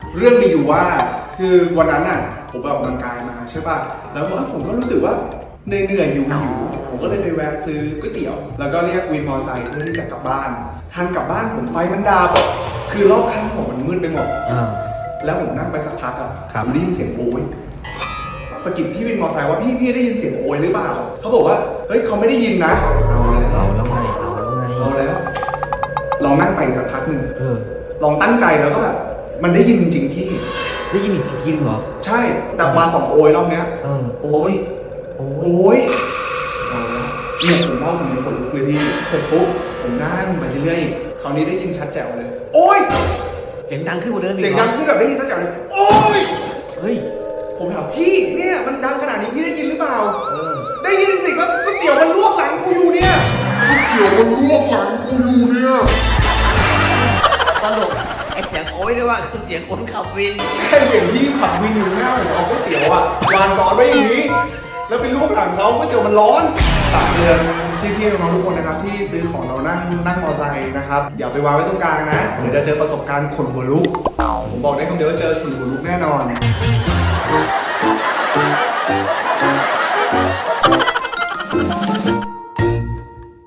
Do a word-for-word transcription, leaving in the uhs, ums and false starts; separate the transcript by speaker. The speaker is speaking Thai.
Speaker 1: เรื่องมีอยู่ว่าคือวันนั้นน่ะผมไปออกกำลังกายมาใช่ป่ะแล้วผมก็รู้สึกว่าเหนื่อยๆอยู่อยู่ผมก็เลยไปแวะซื้อก๋วยเตี๋ยวแล้วก็เรียกวินมอเตอร์ไซค์เพื่อที่จะกลับบ้านทางกลับบ้านผมไฟมันดับคือรอบข้างผมมันมืดไปหมดแล้วผมนั่งไปสักพักอะผมได้ยินเสียงโอยสะกิดพี่วินมอเตอร์ไซค์ว่าพี่พี่ได้ยินเสียงโอยหรือเปล่าเขาบอกว่าเฮ้ยเขาไม่ได้ยินนะเอาเลย
Speaker 2: เอาแล้วไงเอาแล้วไง
Speaker 1: เอาแล้วลองนั่งไปสักพักหนึ่งลองตั้งใจแล้วก็แบบมันได้ยินจริงพี่
Speaker 2: ได้ยินอีกทีนึงเหรอ
Speaker 1: ใช่แต่มาสองโอยรอบเนี้ย
Speaker 2: เออ
Speaker 1: โอยโอยเอาละเนี่ยผมเล่าผมยังขนลุกเลยพี่เสร็จปุ๊บผมนั่งไปเรื่อยๆคราวนี้ได้ยินชัดแจ๋วเลยโอย
Speaker 2: เสียงดังขึ้นกว่าเดิมอีก
Speaker 1: เสียงดังขึ้นแบบได้ยินชัดแจ๋วเลยโอย
Speaker 2: เฮ้ย
Speaker 1: ผมถามพี่เนี่ยมันดังขนาดนี้พี่ได้ยินหรือเปล่า
Speaker 2: เออ
Speaker 1: ได้ยินสิครับก๋วยเตี๋ยวมันลวกหลังกูอยู่เนี่ยก๋วยเตี๋ยวมันลวกหลังกูอยู่เนี่ย
Speaker 2: ตลกไอ้เสียงโอ้ยด้วยว่าคือเสียงคนขับวิน
Speaker 1: ใช่เสียงที่ขับวินอยู่หน้าผมเอาก๋วยเตี๋ยวอ่ะวางซ้อนไว้อย่างนี้แล้วเป็นรูปหลังเขาก๋วยเตี๋ยวมันร้อนฝากเตือนพี่ๆน้องๆทุกคนนะครับที่ซื้อของเรานั่งนั่งมอเตอร์ไซค์นะครับอย่าไปวางไว้ตรงกลางนะเดี๋ยวจะเจอประสบการณ์ขนหัวลุกผมบอกได้คำเดียวว่าเจอขนหัวลุกแน่นอน